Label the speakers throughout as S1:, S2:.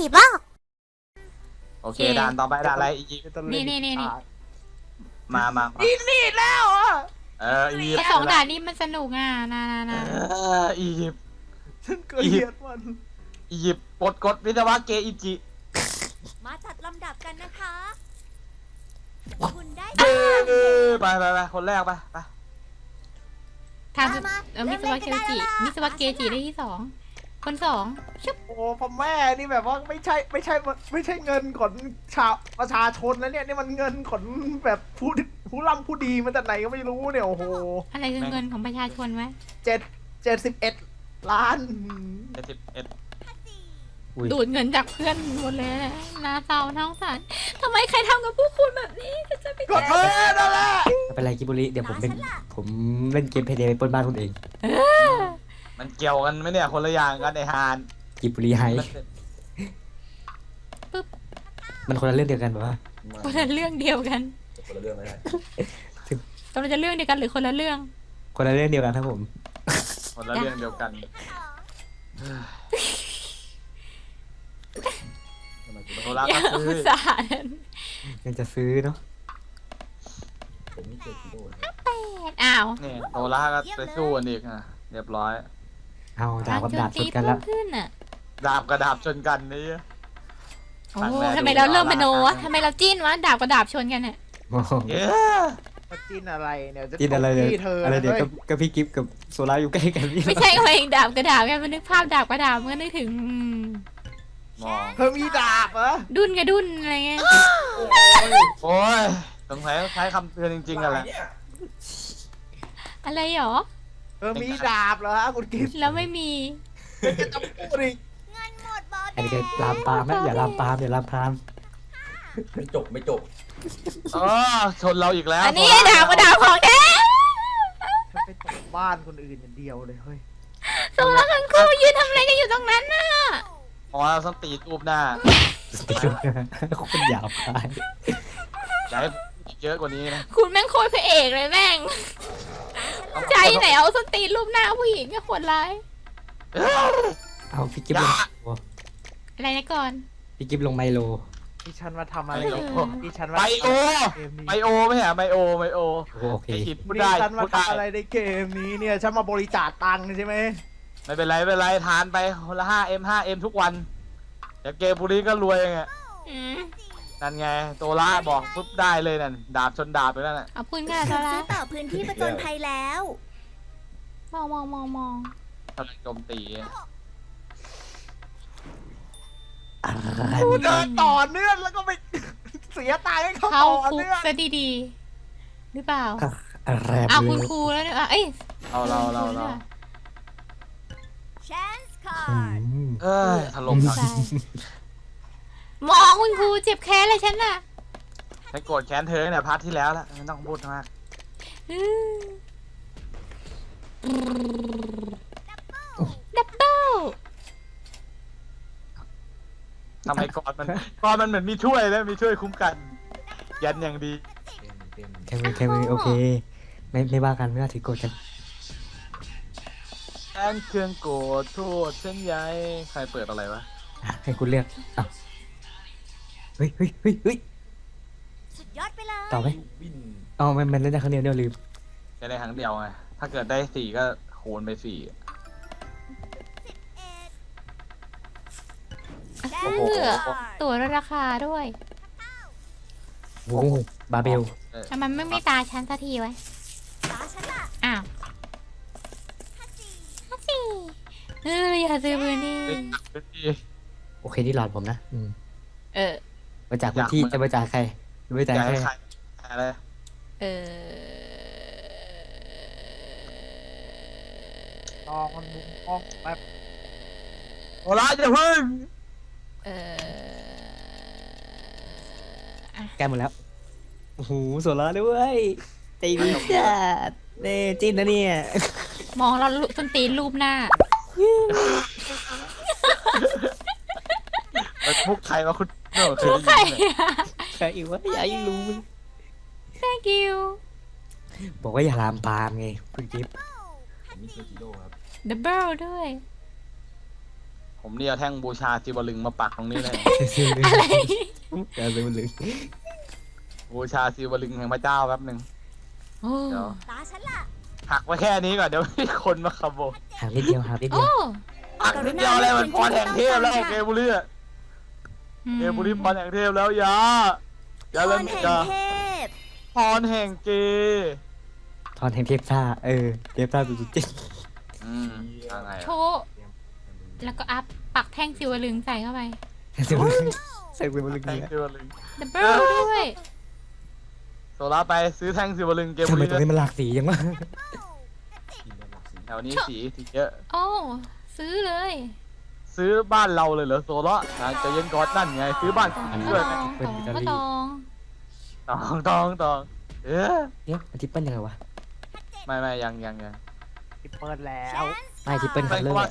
S1: ยิปต์อ่ะ
S2: โอเคด่านต่อไปด่านอะไรอียิปต์
S3: นี่
S2: มา
S4: นี่แล้วอ่ะ
S2: อียิป
S3: ไอ้
S2: ต์
S3: สองด่านนี้มันสนุกอ่ะนะ
S2: อียิปต์
S4: ฉันเกลียดมัน
S2: อียิปต์ปลดกฎวิศวะเกอิจิ
S1: มาจัดลำดับกันนะคะ คุณได้
S2: ไปคนแรกไป
S3: ทำมิสวะเกจิได้ที่2 คน2ชุบ
S4: โอ้พ่อแม่นี่แบบว่าไม่ใช่เงินของชาวประชาชนแล้วเนี่ยนี่มันเงินของแบบผู้ร่ำผู้ดีมาจากไหนก็ไม่รู้เนี่ยโอ้โห
S3: อะไรคือเงินของประชาชนวะ
S4: 71 ล้าน
S2: 71
S3: ดูดเงินจากเพื่อนหมดเลยน่าเศร้าน่าสงสารทำไมใครทำกับพวกคุณแบบนี้จะไป
S4: กดเลยนั่นแหละ
S5: ไม่เป็นไรกิบุริเดี๋ยวผมเล่นเกมเพย์เดย์ไปปล้นบ้านคนเอง
S2: มันเกี่ยวกันไหมเนี่ยคนละอย่างกันไอฮาน
S5: กิบุริไฮมันคนละเรื่องเดียวกันปะวะ
S3: คนละเรื่องเดียวกัน
S6: คนละเรื่องไม่ได้
S3: กำลังจะเรื่องเดียวกันหรือคนละเรื่อง
S5: คนละเรื่องเดียวกันครับผม
S2: คนละเรื่องเดียวกัน โทรศัพท์
S3: อย่า
S2: ก็
S3: อุ
S2: ซื้
S3: ต
S2: อ
S3: ส่าห์
S5: ยังจะซื้อเนาะ
S6: ผมไม่เจอกิโลนะ
S3: อ้าว
S2: นี่โทรศัพท์ก็ไปสู้กันอีกอ่ะเรียบร้อย
S5: เอาดาบกับดาบช
S3: ตี
S5: นกัน
S3: เพิ่
S5: แล้ว
S3: มขึ้นอ่ะ
S2: ดาบกับดาบชนกันนี่
S3: โอ้ทำไมเราเริ่มมโนวะทำไมเราจิ้นวะดาบกับดาบชนกันเนี่ย
S5: โอ้โห
S2: เย้
S4: มาจิ้นอะไรเนี่ยจะ
S5: กินอะไรเนี่ย
S4: ที่เธอ
S5: อะไรเดี๋ยว
S4: ฮ้
S5: กับพี่กิฟต์กับโซล่าอยู่ใกล้กันพี่
S3: ไม่ใช่ว่าเองดาบกับดาบไงมันนึกภาพดาบกับดาบมันก็นึกถึง
S2: มอง
S4: เธอมีดาบเหรอ
S3: ดุนกับดุนอะไรเงี้ย
S2: โอ้ยสงสัยใช้คำเตือนจริงๆกันแหละ
S3: อะไรหรอ
S4: เธอมีดาบเหรอฮะคุณกิฟต์
S3: แล้วไม่มี
S4: จะพูดอีก
S1: เงินหมดบอส
S5: อันนี้ก็ลามปามนะอย่าลามปามอย่าลามปาม
S6: ไม่จบ
S2: อ๋อชนเราอีกแล้ว
S3: อันนี้ดาบกับดาบของแท้
S4: ฉันไปตกบ้านคนอื่นอย่างเดียวเลยเฮ้ย
S3: โซล่าคังคูยืนทำอะไรกันอยู่ตรงนั้นน่ะ
S2: อ๋อเราต้องตีรูปหน้า
S5: คนหยาบคาย
S2: อยากให้เยอะกว่านี้นะ
S3: คุณแม่งโคตรพระเอกเลยแม่งใจไหนเอาสนตีนรูปหน้าผู้หญิงก็ขวดร้าย
S5: เอาพี่กิฟต์ลง
S3: อะไรนะก่อน
S5: พี่กิฟต์ลงไมโล
S4: ดิฉันมาทำอะไรดิฉัน
S2: ไบ
S4: มา
S2: โอ
S4: เกมนี้
S2: ไบโอไม่ใช่ไบโอ
S5: โอเค
S2: ไออิดพูด
S4: ดิ
S2: ได้
S4: ฉันมา
S2: พูดได้
S4: ทำอะไรในเกมนี้เนี่ยฉันมาบริจาคตังค์ใช่ไหม
S2: ไม่เป็นไรทานไปคนละ 5M ทุกวันเดี๋ยวเกมบุรีก็รวยไง
S3: อืม
S2: นั่นไงโตล่าบอกปุ๊บได้เลยนั่นดาบชนดาบไปแล้วน่ะ
S3: เอาปืนกันโซล่า
S1: ซื้อต่อพื้นที่ประจนภัยแล้ว
S3: มอง
S2: พลังโจมตี
S4: กูเดินต่อเนื่องแล้วก็ไป เสียตังค์ให้เขา
S3: เข้า
S4: ต่อ
S3: คุก
S4: เนื่อง
S3: ซะดีๆหรือเปล่า
S5: อะไร
S3: เอา
S5: เล
S3: คุณ
S5: ย
S3: ครูแล้วเนี่ยเอ้ย
S2: เรา
S1: Chance
S5: อื
S1: card
S5: ม
S2: เอ้ยถล่ม
S3: ใช่มองคุณครูเจ็บแค้นเลยฉันน่ะ
S2: ฉันโกรธแค้นเธอเนี่ยพาร์ทที่แล้วแล้วไม่ต้องพูดมาก
S3: อืมดับเบิล
S2: ทำไมก่อนมันเหมือนมีช่วยแล้วมีช่วยคุ้มกัน ยันอย่างดี
S5: แค่มือโอเค ไม่ว่ากันไม่ว่าถือโกรธกัน
S2: แอนเครื่องโกรธโทษเส้นใยใครเปิดอะไรวะ
S5: ให้คุณเลือกอ้าวเฮ้ย
S1: สุดยอดไปเลย
S5: ต่อไหม
S6: วิน
S5: อ๋อมันเล่นได้ครั้งเดียวเดี๋ยวลืม
S2: จะได้ครั้งเดียวไงถ้าเกิดได้4ก็คูณไป4
S1: ได้
S2: โอ้โห
S3: ตัวลดราคาด้วย
S5: โอ้บาเบล
S3: ทำไมไม่ตาฉันสักทีไว้
S1: ตาฉันล่ะ
S3: อ้าวสิอย่าซื้อมือนี่
S5: โอเคที่หลอดผมนะ
S3: เออ
S5: มาจากคุณที่จะมาจากใครมาจาก
S2: อยาก
S5: ใคร
S2: ให้ใครอะไร
S3: เออ
S4: นอนมุมห้องแบบ
S2: โอลาจะพึ่ง
S3: เออ
S5: แกหมดแล้วโอ้โหโซล่าด้วยใจดีจัดเน่จิ้นนะเนี่ย
S3: มองเราส้นตีนรูปหน้า
S2: พวกใครวะคุณเนอะเคย
S3: พวกใคร
S2: ได้ยินไหม
S5: ใครอีกวะอย่าให้รู้
S3: thank you
S5: บอกว่าอย่าลามปามไงคุณกิฟต์
S6: ผมไม่เจอกิโลครับ
S3: double ด้วย
S2: โหผมเนี่ยเอาแท่งบูชาจิวลึงมาปักตรงนี้เลย
S3: อะไร
S5: การเป็นลึง
S2: บูชาจิวลึงแห่งพระเจ้าแป๊บหนึ่ง
S3: โอ้
S2: เดี๋ยว
S1: ตาฉันล่ะ
S2: หักไว้แค่นี้ก่อนเดี๋ยวมีคนมาขโมย
S5: หานิดเดียวหานิดเดี
S3: โอ้
S5: ยว
S2: หักนิดเดียวเลยมันพรแห่งเทพแล้วเกบุรีอะเกบุรีพรแห่งเทพแล้วอย่า
S1: พร
S2: เล่น
S1: แห่ง
S2: จ้า
S1: เทพ
S2: พรแห่งเกย์
S5: ทอนแห่งเทพซ่าเทพซ่าสุดจริง
S2: อะไร
S3: โชว์แล้วก็อัพปักแท่งซิวลึงใส่เข้าไป
S5: ใส่เป็นลึง
S2: แท่ง
S5: เนี่ย
S2: จิวลึง
S3: ดับเบิลด้วย
S2: โซล่าไปซื้อแท่งจิวลึงเก
S5: ทำ
S2: บุ
S5: ไม
S2: รี
S5: ตรงนี้มันหลากสียังวะ
S2: แถวนี้สีเยอะ
S3: โอ้ซื้อเลย
S2: ซื้อบ้านเราเลยเหรอโซล่าจะเย็นก่อนนั่นไงซื้อบ้านคุณ
S3: ก็
S2: ด้วย
S3: ตองก็ตอง
S2: ตองเอ๊ะ
S5: เดี๋ยวมันทิปเปิลยังไงวะ
S2: ไม่ยัง
S4: ทิปเปิลแล้ว
S5: ไม่ทิปเปิลคัลเลอร์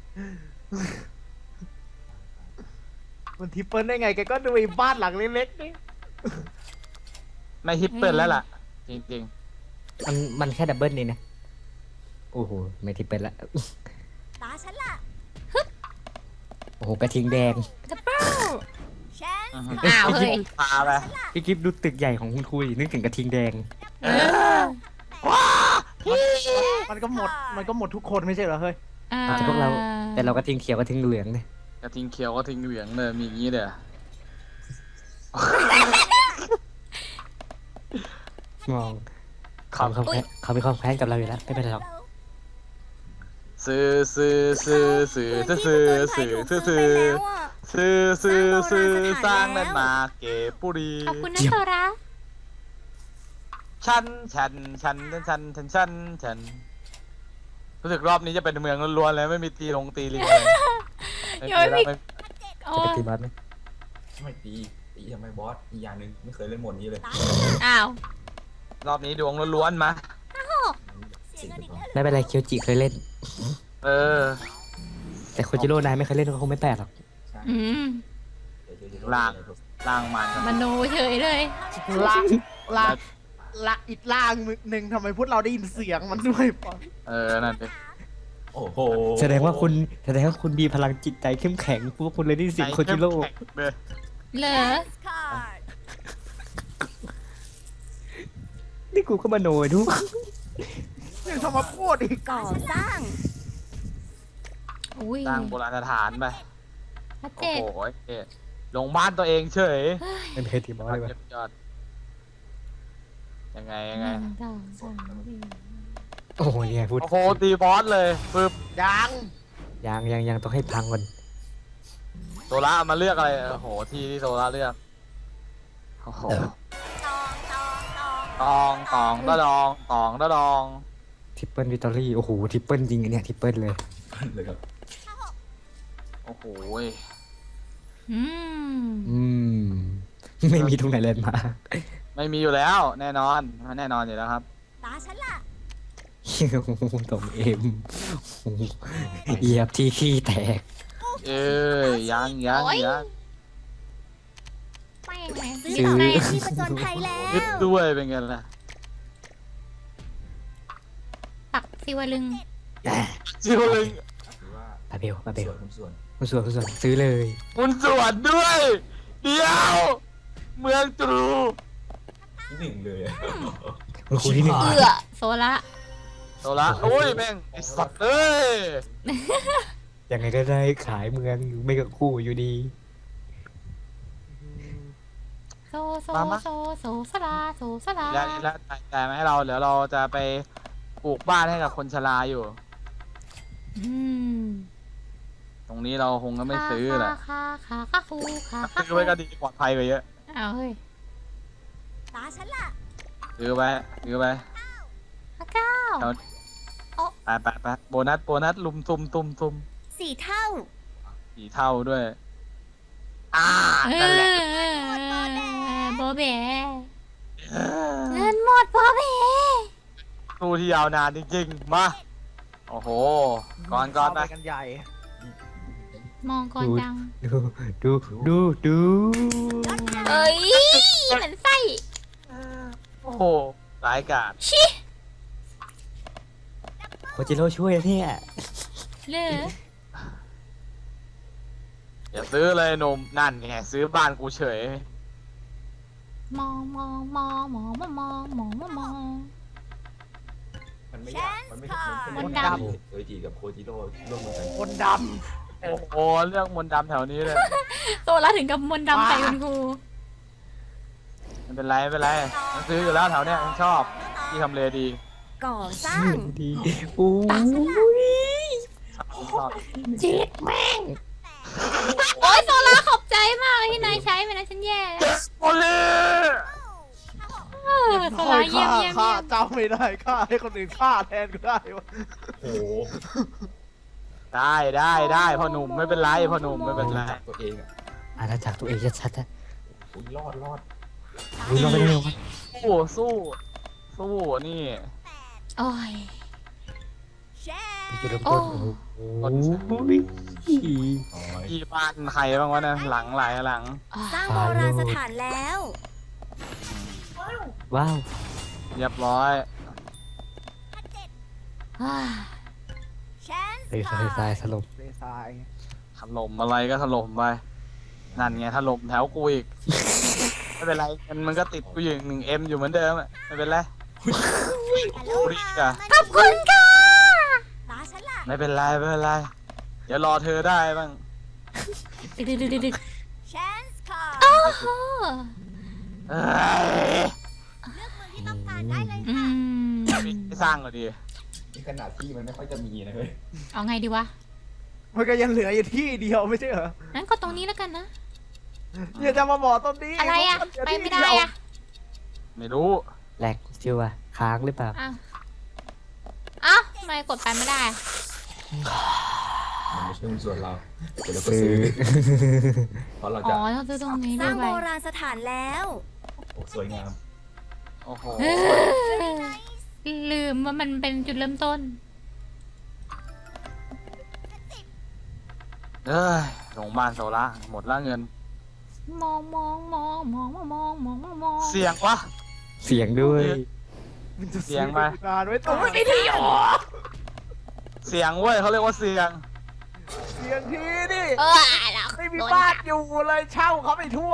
S4: มันทิปเปิลได้ไงแกก็ดูไอ้บ้านหลังเล็กๆนี่
S2: ไม่ฮิปเปิลแล้วล่ะ จริง
S5: มันแค่ดับเบิลนี่นะโอ้โหไม่ทิปเปิลละ
S1: ตาฉันล่ะ
S5: โอ้โหกระทิงแดง
S3: ดับเบิล
S1: ฉัน
S2: ๆ
S3: อ้าวเฮ้ย
S2: พาไป
S5: พี่กิฟดูตึกใหญ่ของคุณคุยนึกถึงกระทิงแดง
S4: มันก็หมดทุกคนไม่ใช่เหรอเฮ้ย
S5: แต่พวกเราแต่เรากระทิงเขียวกระทิงเหลืองเนี่ย
S2: กระทิงเขียวกระทิงเหลืองเลยมีอย่างนี้เด้อ
S5: มองเขามีความแค้นกับเราอยู่แล้วไม่เป็นไรหรอก
S2: ซื้อสร้างแลนด์มาร์คเกปุรี
S3: ขอบคุณนะโซระ
S2: ฉันรู้สึกรอบนี้จะเป็นเมืองล้วนๆเลยไม่มีตีลิงเลย
S3: ยังไม่มีโอ้
S5: จะไปตีบอสไหม
S6: ไม่ตีทำไมบอสอีกอย่างหนึ่งไม่เคยเล่นโหมดนี้เลย
S1: ตาฉันล่ะ
S3: อ้าว
S2: รอบนี้ดวงล้วนๆมา
S1: เสียเงินอีกแล้ว
S5: ไม่เป็นไรเคียวจิเคยเล่น
S2: เออ
S5: แต่โคจิโร่นายไม่เคยเล่นก็คงไม่แปลกหรอก
S3: อืม
S2: ล่างมัน
S3: มโนเฉยเลย
S4: อีกล่างหนึ่งทำไมพวกเราได้ยินเสียงมันด้วยปะ
S2: นั่นดิ
S6: โอ้โห
S5: แสดงว่าคุณมีพลังจิตใจเข้มแข็งพวกคุณเลยได้ยินเสียงโคจิโร่
S2: แข็งเลย
S3: เหรอ
S1: คาร์ด
S5: นี่กูก็มาโนยดู
S4: ยังทำมาพูดอีก
S1: ก่อสร้าง
S3: อุ้ย
S2: สร้างโบราณสถานไป
S3: พระเจ
S2: โอ้
S3: ด
S2: โหลงบ้านตัวเองเฉย
S5: เป็นเคยตีบอสเลยปะ
S2: ยอดยังไง
S3: หนึ่งสองสามสี่
S5: โอ้โหเนี่ยพูด
S2: โอ้โหตีบอสเลยปึ๊บ
S4: ยัง
S5: ยังต้องให้พังก่อน
S2: โซล่ามาเลือกอะไรโอ้โหที่โซล่าเลือกโอ้โห
S1: ตอง
S2: ตองตะดอง
S5: ทริปเปิลวิตอรี่โอ้โหทริปเปิลจริงอันเนี่ยทริปเปิลเลย
S6: เลยครับ
S2: โอ้โห
S3: อืม
S5: ไม่มีตรงไหนเลยมา
S2: ไม่มีอยู่แล้ว แน่นอนอยู่แล้วครับ
S1: ตาฉันล่ะ
S5: ตรงเอ็มเหยียบที่ขี้แตก
S2: เอ้ยยัง
S3: แม่งแม่ง
S1: ซื้อ
S3: ซื้อ
S1: ต่อ
S3: ไง
S1: ไปที่ผจญภัยแล้ว
S2: ยึดด้วยเป็นไงล่ะ
S3: ปักซิวลึง
S2: จิวลึง
S6: หรือว่า
S5: ปาเบล
S6: ส่วน
S5: คุณส่วนซื้อเลย
S2: คุณสวนด้วย เดี๋ยว เมืองตรู
S6: ที่หนึ่งเลย
S5: คุณครูที่หนึ่ง
S3: โซละ
S2: โซล่าโอ้ยแม่งไอสัตว์เอ้ย
S5: ยังไงก็ได้ขายเมืองอยู่ไม่กับคู่อยู่ดี
S3: โซสลา
S2: แล้วจ่ายมาให้เราเดี๋ยวเราจะไปปลูกบ้านให้กับคนชราอยู่
S3: อืม
S2: ตรงนี้เราคงก็ไม่ซื้อแหละ
S3: ค่ะคูค่ะ
S2: ซื้อไว้ก็ดีปลอดภัยกว่าเยอะ
S3: อ้าวเฮ้ย
S1: ตาฉันล่ะ
S2: ซื้อไป
S3: พระเก้า
S2: ไปโบนัสลุมตุม
S1: 4 เท่า
S2: 4 เท่าด้วย นั่นแหละ
S3: โบเบเงินหมดโบเบ
S2: สู้ที่ยาวนานจริงๆ มา โอ้โห ก่อนไป
S4: กันใหญ่
S3: มองก่อนจัง
S5: ดู
S3: เอ้ยเหมือนไส้
S2: โอ้โหร้ายกาจ
S3: ชิ
S5: โคจิโร่ช่วยนะเนี่ย
S3: เลย
S2: อย่าซื้อเลยหนุ่มนั่นไงซื้อบ้านกูเฉย
S3: มองมองมองมองมองมองมองมอง
S6: มันไม่อยากมันไม่
S3: มนต์ดำ
S6: โดยจีกับโคจิโร่ร่วมมือกัน
S4: คนด
S2: โอ้โหเรื่องมนต์ดำแถวนี้เลย
S3: โซล่าถึงกับมนต์ดำใส่คุณครู
S2: ไม่เป็นไรไม่เป็นไรฉันซื้ออยู่แล้วแถวเนี้ยฉันชอบที่ทำเลดี
S1: ก่อสร้าง
S5: ดีโอ้ย
S2: ชอบ
S5: เจ็ดแม่ง
S3: โอ้ยโซล่าขอบใจมากเลยที่นายใช้ไปนะฉันแย่แล้ว
S2: โอเล่
S3: เออ
S4: ำ
S3: โซล่าเยี่ยมเยี่ยม
S4: ฆ่า
S3: เยี่ยม
S4: เจ้าไม่ได้ฆ่าให้คนอื่นฆ่าแทนก็ได้วะ
S6: โอ้โห
S2: ได้พ่อหนุ่มไม่เป็นไรพ่อหนุ่มไม่เป็นไร
S6: ตัวเองอ่ะ
S5: อาณาจักรตัวเองชัดๆอะ
S6: อุ้ยรอด
S5: อุ้ยลองไปเร็วๆวะ
S2: สู้นี่
S3: โอ้ย
S1: แชร์
S5: จุดเริ่มต้น
S3: โอ้
S5: โอ้ย
S6: อ๋อ
S2: ที่บ้านใครบ้างวะนะหลังหลายหลัง
S1: สร้างโบราณสถานแล้ว
S5: ว้าว
S2: เรียบร้อย
S3: อ่า
S1: แชนส์
S5: เฮ้ยทรายสลบ
S4: เลทราย
S2: ถล่มอะไรก็ถล่มไปนั่นไงถล่มแถวกูอีกไม่เป็นไรมันก็ติดกูอยู่1Mอยู่เหมือนเดิมอะไม่เป็นไรกูรีบอะ
S3: ขอบคุณค่ะ
S1: ตาฉันล่ะ
S2: ไม่เป็นไรเดี๋ยวรอเธอได้บ้าง
S3: ดึก
S1: แชนส์ค่ะ
S3: โอ้โห
S2: เอ้ย
S1: เลือกเมืองที่ต้องการได้เลย
S3: อื
S1: ค่ะ
S3: ม
S2: ไม่สร้างก็ดี
S6: นี่ขนาดที่มันไม่ค่อยจะมีนะเฮ้ย
S3: เอาไงดีวะ
S4: มันก็ยังเหลืออยู่ที่เดียวไม่ใช่เหรอ
S3: งั้นก็ตรงนี้แล้วกันนะ
S4: อย่าจะมาบอกตรงนี้
S3: อะไรอ่ะ ไปไม่ได้อ่ะ
S2: ไม่รู้
S5: แหลกจิวอะค้างหรือเปล่า
S3: อ้าวอ้าวทำไมกดไปไม่ได้อะ
S6: มันไม่ใช่หุ้นส่วนเราเดี๋ยวเราก็
S5: ซื้อ
S6: ซื้อเพราะเรา
S3: อ๋
S6: จะ
S3: อต้องซื้อตรงนี้
S1: ส
S3: ด้
S1: ร้าง
S3: ว
S1: โบ
S3: ย
S1: ราณสถานแล้ว
S6: โอ้สวยงาม
S2: โอ้โห
S3: เออลืมว่ามันเป็นจุดเริ่มต้น
S2: เอ้ยลงบ้านโซล่าหมดละเงิน
S3: มองมองมองมองมองมองมอง
S2: เสียงวะ
S5: เสียงด้วย
S4: มันจะ
S2: เสียงมา
S4: นานไว้ตรงไม่ได้หรอ
S2: เสียงเว้ยเขาเรียกว่าเสียง
S4: เสียงทีนี่
S3: เออแล้ว
S4: ไม่มีบ้านอยู่เลยเช่าเขาไปทั่ว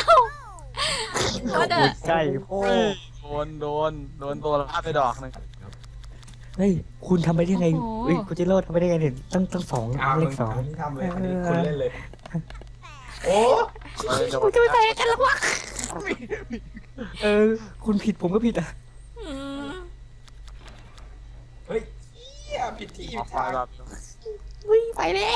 S3: ก็เด้อ
S5: ใช่โอ้
S2: เฮ้ยโดนตัวละไปดอกหนึง
S5: เฮ้ยคุณทำไปได้ไงเฮ้ยคุณจิโร่ทำไปได้ไงเนี่ยตั้งสอง
S6: อ้าว
S5: เล
S6: มึ
S5: ข
S6: ง
S5: สอง
S6: อันนี้ทำเลยอันนี้คุณเล่นเลย โอ้
S2: เฮ้ยโดน
S3: คุณจะไปใส่กันแล้ววะ
S5: คุณผิดผมก็ผิดอ่ะ
S3: อืม
S6: เฮ้ยเหี้ยผิดที่
S2: ออกไป
S6: ทาง
S2: แบบ
S3: ไปแล้ว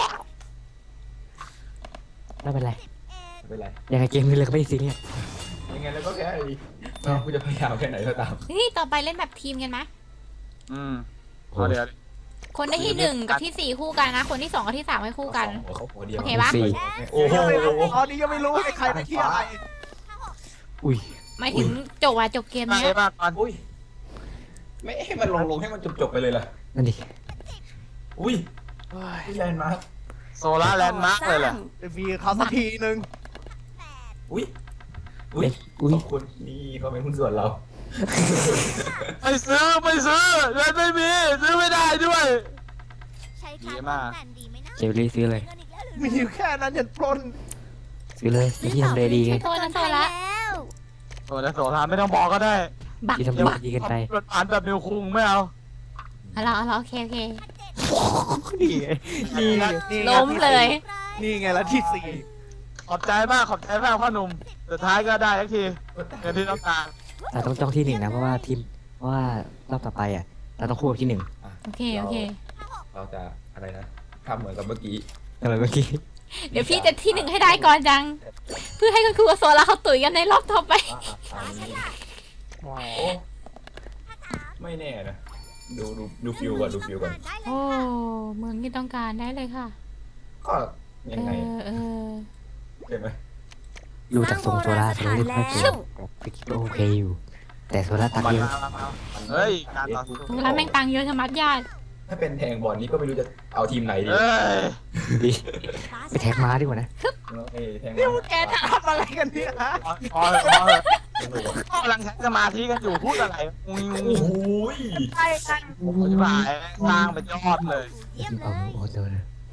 S5: ไม่เป็นไร
S6: ไม่เป็นไร
S5: ยังไงเกมนี้เลยก็ไม่ได้ซีเรียส
S6: ยังไงแล้วก็แค่ไอ้น้องกูจะพยายามแค่ไหนก็ตาม
S3: เฮ้ยต่อไปเล่นแบบทีมกันไหม
S2: เอาเดี๋ยว
S3: คนได้ที่หนึ่งกับที่สี่คู่กันนะ คนที่สองกับที่สามให้คู่กัน
S6: เขาหัวเดียว
S3: โอเคปะ
S5: สี่
S6: โอ้โห
S4: ตอนนี้ยังไม่รู้ให้ใครไปที่อะไร
S5: อุ้ย
S3: หมายถึงจบจบเกม
S2: ไป
S3: เนี้ย
S2: มากก่อน
S6: อุ้ยไม่ให้มันลงให้มันจบไปเลยล่ะ
S5: นั่นดิ
S6: อุ้ยที่แลนด์มาร์ค
S2: โซล่าแลนด์มาร์กเลยแหละ
S4: จะมีเขาสักทีนึง
S6: อุ้ยอุ้ย
S5: อุ้ย
S6: ขอบคุณนี่เขาเป็นหุ้นส่วนเรา
S2: ไม่ซื้อเงินไม่มีซื้อไม่ได้ด้วย
S1: ใช้
S2: ดี
S1: การ
S2: มาก
S1: ป้องกันดีไหมนะ
S5: เจลลี่ซื้อเลย
S1: เงินอีกแล้วหรือ
S4: มีอยู่แค่นั้นยันปล้น
S5: ซื้อเลยที่ทำเลดีไง
S3: โทษนะโทษละ
S1: แล้ว
S2: โซล่าไม่ต้องบอกก็ได้
S3: บัก
S5: ที่ทำเลดีกันไป
S2: เป็นผ่านแบบนิวคุงไม่เอา
S3: เอาละโอเค
S5: นี่ไง
S4: นี่ไงนี่ไง
S3: ล้มเลย
S4: นี่ไงละที่สี่
S2: ขอบใจมากพ่อหนุ่มสุดท้ายก็ได้ทักทีเงินที่ต้องการ
S5: แต่ต้องจ้องที่หนึ่งนะเพราะว่าทีมเพราะว่ารอบต่อไปอ่ะเราต้องคู่กับที่หนึ่ง
S3: โอเค
S6: เราจะอะไรนะทำเหมือนกับเมื่อกี้
S5: อะไรเมื่อกี้
S3: เดี๋ยวพี่จะที่หนึ่งให้ได้ก่อนจัง เพื่อให้คุณครูกับโซล่าเขาตุ๋ยกันในรอบต่อไป
S6: อันนี้โอ้ไม่แน่นะดูฟิวก่อนดูฟิวก่อน
S3: โอ้เมืองที่ต้องการได้เลยค่ะ
S6: ก็ยังไง
S3: เออ
S6: ใช่ไหม
S5: ดูจากทรงโซล่าโซล่าไม่ค่อยเก่งแต่ฟิกก็โอเคอยู่ แต่โซล่าตัง
S2: มา
S5: เยอะ
S2: เฮ้ยการต่อสู้
S3: โซล่าแม่งตังเยอะชะมัดญาติ
S6: ถ้าเป็นแทงบอลนี้ก็ไม่รู้จะเอาทีมไหนดี
S2: เอ้ย
S5: ดีไปแท็กม้าดีกว่านะ
S6: แทง
S4: นี่พวกแกจะทำอะไรกันเนี่ยฮะ
S2: พอเลยกำลังใช้สมาธิกันอยู่พูดอะไรงู
S6: โอ้โห
S4: ใช่กัน
S2: อธิบายสร้างเป็นยอดเลย
S1: เยี่ยมเล
S5: เอา
S1: ย
S5: โอ้โหเลย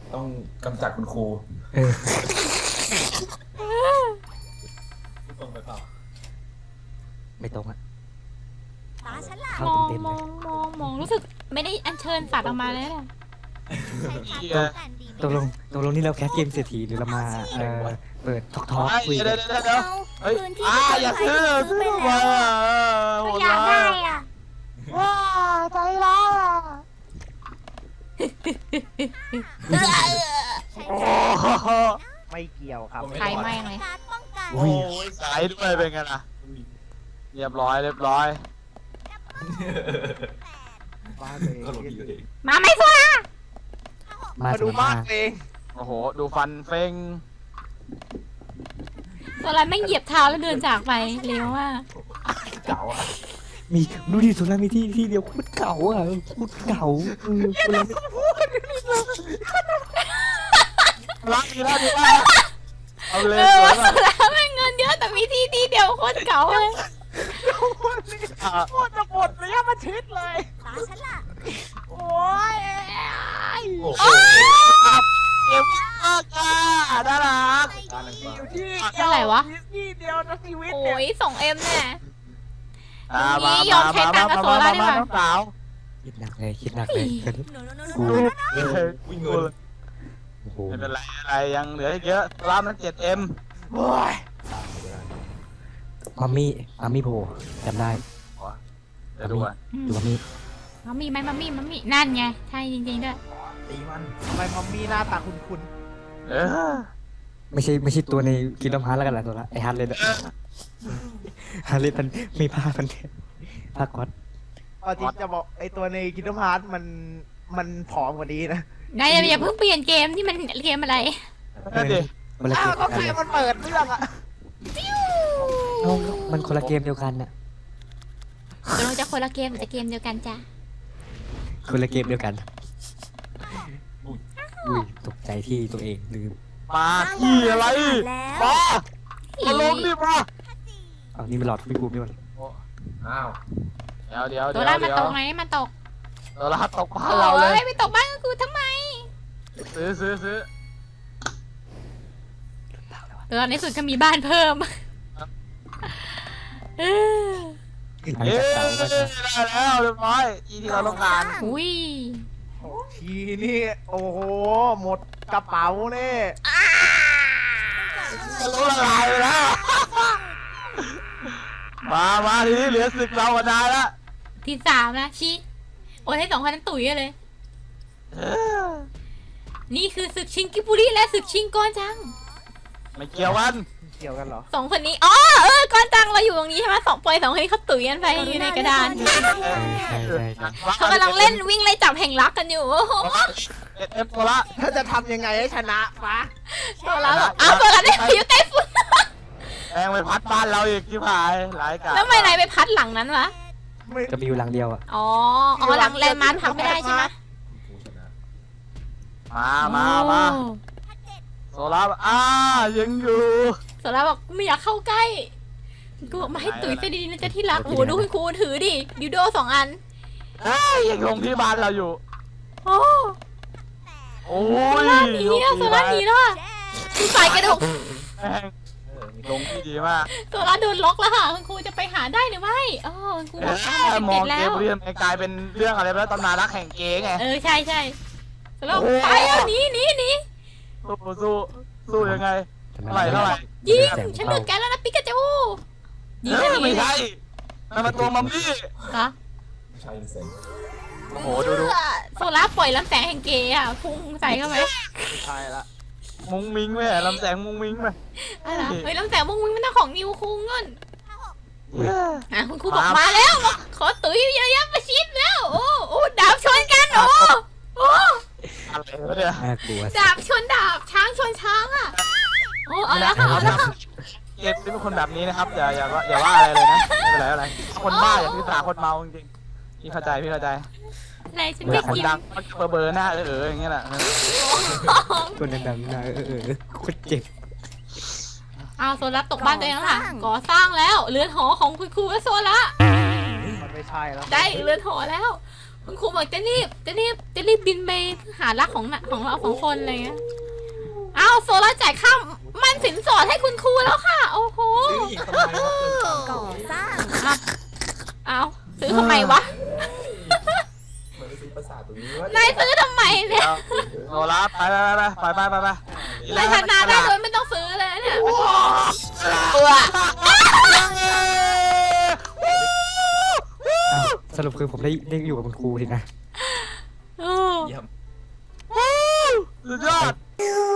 S6: ต้องกำจัดคุณครู
S5: เออ
S6: ตรงไปเปล่า
S5: ไม่ตรงอะ
S1: ตาฉันล่ะ
S5: เข้าม
S3: อง
S5: เต็มๆ
S3: ม
S5: เล
S3: อย งมองรู้สึกไม่ได้อัญเชิญสัตว์ออกมาเลยนะ
S1: ใช้พัดป้องกันดีไหม
S5: ตกลงนี่เราแคสเกมเศรษฐีหรือเรามาเปิดทอกคุย
S2: เดี๋
S5: กั
S2: ย
S5: น
S2: วเดี๋ยวเฮ้ย
S1: พื้นที่
S2: อย่า
S1: ที่
S2: ซื้อ
S1: ซื้อไป
S2: มา
S1: แล้วก็อยากได้อ่ะ
S2: ว้าใจร้ายอ่ะ
S1: ใช้
S2: โอ้
S1: พัด
S2: โห
S4: ไม่เกี่ยวครับ
S3: ใครแม่งเลย
S1: การป้องกัน
S2: โอ้ยสายด้วยเป็นไงล่ะเรียบร้อย
S4: บ้านเลย
S6: ก็ลงดีกว่าเอง
S3: มาไม่โซล่า
S4: มาดูบ้านเอง
S2: โอ้โหดูฟันเฟ้ง
S3: โซล่าแม่งเหยียบเท้าแล้วเดินจากไปเร็วมาก
S6: เก่าอ่ะ
S5: มีดูดิสุรามีที่เดียวโคตรเก่าอ่ะโคตรเก่าคนละ
S2: รักดีนะดีมากเอาเลย
S3: เออ
S2: สว
S3: ว่าย โซ
S2: มาก
S3: ล่าแม่งเงินเยอะแต่มีที่เดียวโคตรเก่าเลย
S4: โคตรจะหมดระยะประชิดเลย
S1: ตาฉันล่ะ
S4: โอ้ย
S6: โอ้โห
S2: เก็บมากอ่ะน่ารัก
S6: ตาลัง
S4: มี
S6: ฟ้า
S4: อยู่ที่
S3: เท่าไหร่วะ
S4: ที่เดียวนะชีวิต
S3: โอ้
S4: เนี่ย
S3: ย2M เนี่ย
S2: อ่ะ
S3: อย่างนี้ยอมใช้ตังค์กับโซล่าดีกว่า
S2: น้องสาว
S5: คิดหนักเลยคิดหนักเลยเกิน
S1: หนู
S6: วิ่งเงิน
S5: โอ้โห
S2: ไม่เป็นไรอะไรยังเหลืออีกเยอะรามนั้น 7M
S4: โอ้ย
S5: มัมมี่โผล่จำได้
S2: เดี๋ยวดูอ่ะ
S5: ดูมัมมี่
S3: มัมมี่ไหมมัมมี่นั่นไงใช่จริงๆด้วย
S6: ตีมัน
S4: ทำไมมัมมี่หน้าตาคุ้น
S2: เออ
S5: ไม่ใช่ตัวในกินน้ำฮาร์แล้วกันล่ะตัวละไอฮาร์เลยเนี่ยฮาร์เลยมันมีผ้ามันผ้าก๊อต
S4: ๆเอาจริงจะบอกไอตัวในกินน้ำฮาร์ดมันผอมกว่านี้นะ
S3: นายอย่าเพิ่งเปลี่ยนเกมที่มันเกมอะไร
S2: นั่นดิ
S5: คนละเก
S4: อ้าว
S5: ม
S4: ก็
S5: กัน
S4: แค่
S5: เลย
S4: มันเปิดเรื่องอะ
S5: มันคนละเกมเดียวกันน่ะ
S3: ตกลงจะคนละเกมหรือจะเกมเดียวกันจ้ะ
S5: คนละเกมเดียวกันอุ้ยตกใจที่ตัวเองลืม
S2: มาที่อะไร
S1: แล้ว
S2: มาลงดิมา
S5: เอานี่มันหลอดพี่กูนี่มัน
S6: อ้าว
S2: เดี๋ยว
S3: ตัวล่ามันตกไหมมันตก
S2: ตัวละตกบ้านเราเลย
S3: โอ้ยไปตกบ้านกูทำไม
S2: ซื้อ
S3: ตัวในสุดก็มีบ้านเพิ่มเออ
S5: หลัง
S2: เย้
S5: จากเก่าก็จะ
S2: ได้แล้วเรียบร้อยอีที่เราต้องการ
S3: อุ้ย
S4: ทีนี่โอ้โหหมดกระเป๋าเนี่ย
S2: ทะลุละลายไปแล้วมาทีนี้เหลือศึกเรากับนายละ
S3: ที่3นะชี้โอ้ยให้2คนนั้นตุ๋ยเลย นี่คือศึกชิงกิบุริและศึกชิงกอนจัง
S2: ไม่เกี่ยวกัน
S4: เกี่ยวกันเหรอ
S3: 2คนนี้อ๋อกอนจังเราอยู่ตรงนี้ใช่ไหม2 คนนี้เขาตุ๋ยกันไปอยู่ในกระดาน
S5: ใช่
S3: เขากำลังเล่นวิ่งไล่จับแห่งรักกันอยู่โอ้โห
S2: เอ็มตัวละ
S4: ถ้าจะทำยังไงให้ชนะฟะ
S3: ตัวละบอกอ้าวตัวละได้พายุไต้ฝุ่น
S2: แองไปพัดบ้านเราอีกที่ผายหลายกา
S3: แล้วทำไมนายไปพัดหลังนั้นวะ
S4: ไม่
S5: ก็มีอยู่หลังเดียวอ่ะ
S3: อ๋อหลังแลนด์มาร์คพักไม่ได้ใช่ไหม
S6: ผู้ชนะ
S2: มาโซล่ายังอยู่
S3: โซล่าบอกไม่อยากเข้าใกล้กูบอกมาให้ตุ๋ยซะดีๆนะจ๊ะที่รักโอ้โหดูคุณครูถือดิดิวโด2 อัน
S2: ยังลงที่บ้านเราอยู่
S3: โอ้
S2: โอ้
S3: โซ
S2: ย
S3: ล่าหนีอะโซล่าหนีแล้วอะคือสายกระดูก
S2: แม่งลงที่ดีมาก
S3: โซล่าโดนล็อกแล้วค่ะคุณครูจะไปหาได้หรือไม่อ๋อคุณครูบอกว่า
S2: ม
S3: ติ
S2: อง
S3: ดแล้
S2: เก
S3: ว
S2: มเรื่องกลายเป็นเรื่องอะไรไปแล้วตำนานรักแห่งเก๋ไง
S3: ใช่โซล่าบอกไปแล้วหนี
S2: สู้ยังไงเท่าไหร่
S3: ยิงฉันเลือกแกแล้วนะปิกาจูยิงกันอย่าง
S2: ไม่
S3: นี้
S2: ใช่นั่นมันตัวมัมมี่
S3: เหรอ
S6: ไม่ใช่เซน
S2: โอ้โหดู
S3: โซล่าปล่อยลำแสงแห่งเกย์อะพุ่งใส่เข้าไป
S4: ไม่ใช่ละ
S2: มุ้งมิ้งไหมลำแสงมุ้งมิ้งไหม
S3: อะไรเฮ้ยลำแสงมุ้งมิ้งมันต้องของนิวคุงเงินคุณครูบอกมาแล้วขอตุ๋ยเยอะๆประชิดแล้วโอ้ดาบชนกันโอ้
S2: อะไรวะเนี่ย
S5: น่ากลัว
S3: ดาบชนดาบช้างชนช้างอ่ะโอ้เอาแล้วค่ะ
S2: เกมเป็นคนแบบนี้นะครับอย่าว่าอะไรเลยนะไม่เป็นไรอะไรคนบ้าอย่าพิสาคนเมาจริงๆพี่เข้าใจ
S3: อะไรฉัน
S2: อ
S3: ไม่
S2: ยากคน
S3: กิน
S2: ดังเบอร์หน้าอย่างเงี้ยแหละ
S5: คนดังๆนะโคตรเจ็บ
S3: เอาโซล่าตกบ้านตัวเองแล้วค่ะก่อสร้างแล้วเรือนหอของคุณครูและโซล่า
S4: มันไม่ใช่แล้ว
S3: ได้เรือนหอแล้วคุณครูบอกจะรีบบินไปหารักของเราสองคนอะไรเงี้ยเอาโซล่าจ่ายค่ามันสินสอดให้คุณครูแล้วค่ะ โอ้โห
S6: ซื้ออีกทำไมวะเกินตังค์
S1: ก่อสร้าง
S3: เอาซื้อทำไมวะ
S6: เหมือนไปซื้อประสาทตรงนี้วะ
S3: นายซื้อทำไมเนี่ย
S2: โซล่าไปไป
S3: นายชนะได้โดยไม่ต้องซื้อเลยเนี่ยเออ
S5: อ้าวสรุปคือผมได้อยู่กับคุณครูทีนะ
S3: โอ้
S6: เยี่ยม
S2: สุดยอด